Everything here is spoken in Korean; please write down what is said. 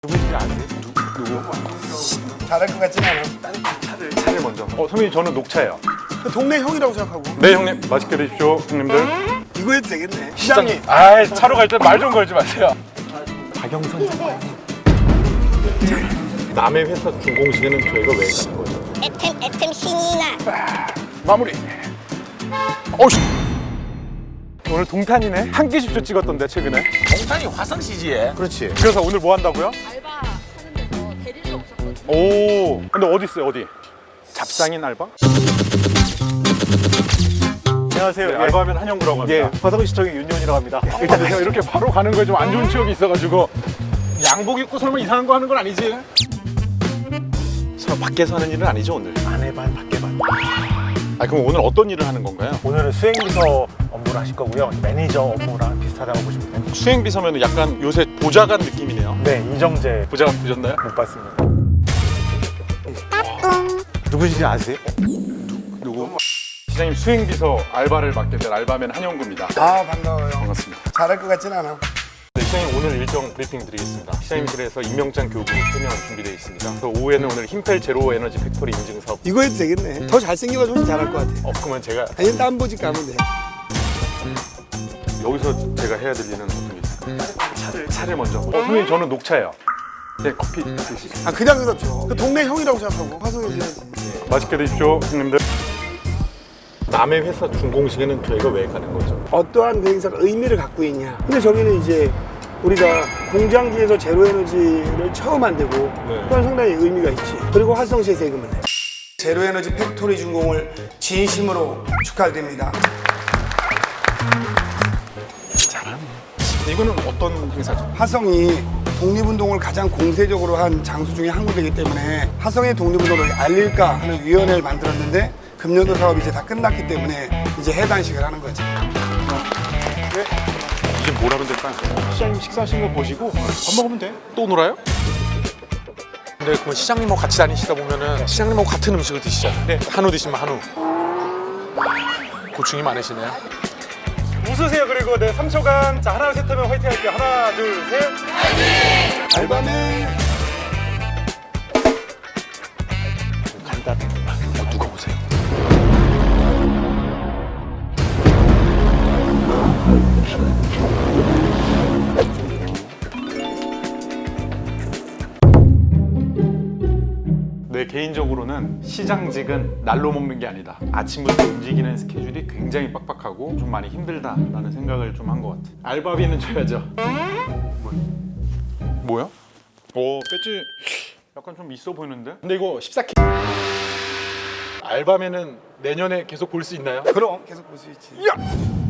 누구인지 아세요? 누구? 잘할 것 같진 않아. 차를 먼저. 선배님 저는 녹차예요. 그 동네 형이라고 생각하고. 네 형님 맛있게 드십시오 형님들. 이거 해도 되겠네. 시장님. 아 차로 갈 때 말 좀 걸지 마세요. 박영선 남의 회사 준공식에는 저희가 왜 가는 거죠? 애템 신이 나. 마무리. 어씨. 오늘 동탄이네. 한 끼십쇼 찍었던데 최근에. 동탄이 화성시지에. 그렇지. 그래서 오늘 뭐 한다고요? 알바 하는 데서 데리러 오셨거든요. 오. 근데 어디 있어요 어디? 잡상인 알바? 안녕하세요. 네, 알바하면 한영구라고 합니다. 예, 화성시청의 윤요원이라고 합니다. 일단 제가 이렇게 바로 가는 거에 좀 안 좋은 추억이 있어가지고 양복 입고 설마 이상한 거 하는 건 아니지? 설마 밖에서 하는 일은 아니죠 오늘? 안에 반, 밖에 반. 아 그럼 오늘 어떤 일을 하는 건가요? 오늘은 수행비서 업무를 하실 거고요. 매니저 업무랑 비슷하다고 보시면 됩니다. 수행비서면 약간 요새 보좌관 느낌이네요. 네, 이정재 보좌관 보셨나요? 못 봤습니다. 누구신지 아세요? 누구? 시장님 수행비서 알바를 맡게 될 알바맨 한영구입니다. 아 반가워요. 반갑습니다. 잘할 것 같진 않아. 네, 시장님 오늘 일정 브리핑 드리겠습니다. 시장님실에서 임명장 교부 3명 준비되어 있습니다. 그래서 오후에는 오늘 힘펠 제로 에너지 팩토리 인증 사업. 이거 해도 되겠네. 더 잘생겨가지고 잘할 것 같아. 그러면 제가 아니 땀보지 까면 돼. 여기서 제가 해야 될 일은 어떤 게 있어요? 차를 먼저. 선생님 저는 녹차예요. 네 커피 드시죠. 아 그냥 그렇죠. 그 동네 형이라고 생각하고 화성에서 해야지. 맛있게 드십시오 형님들. 남의 회사 준공식에는 저희가 왜 가는 거죠? 어떠한 그 행사가 의미를 갖고 있냐. 근데 저기는 이제 우리가 공장지에서 제로에너지를 처음 만들고 그건 상당히 의미가 있지. 그리고 화성시에 세금을 내. 제로에너지 팩토리 준공을 진심으로 축하드립니다. 이거는 어떤 행사죠? 화성이 독립운동을 가장 공세적으로 한 장소 중에 한 군데이기 때문에 화성의 독립운동을 알릴까 하는 위원회를 만들었는데 금년도 사업이 이제 다 끝났기 때문에 이제 해단식을 하는 거지. 이제 뭘 하면 될까요? 시장님 식사하시는 거 보시고 밥 먹으면 돼. 또 놀아요? 근데 그 시장님하고 같이 다니시다 보면은 시장님하고 같은 음식을 드시잖아요. 네. 한우 드시면 한우. 고충이 많으시네요. 웃으세요. 그리고 네, 3초간. 자, 하나, 셋 하면 화이팅 할게요. 하나, 둘, 셋. 알바는 누가 오세요? 네, 개인적으로는 시장직은 날로 먹는 게 아니다. 아침부터 움직이는 스케줄이 굉장히 빡빡하고 좀 많이 힘들다라는 생각을 좀 한 것 같아. 알바비는 줘야죠. 뭐야? 오, 배지 약간 좀 있어 보이는데? 근데 이거 14K 알바면은 내년에 계속 볼 수 있나요? 그럼 계속 볼 수 있지. 야!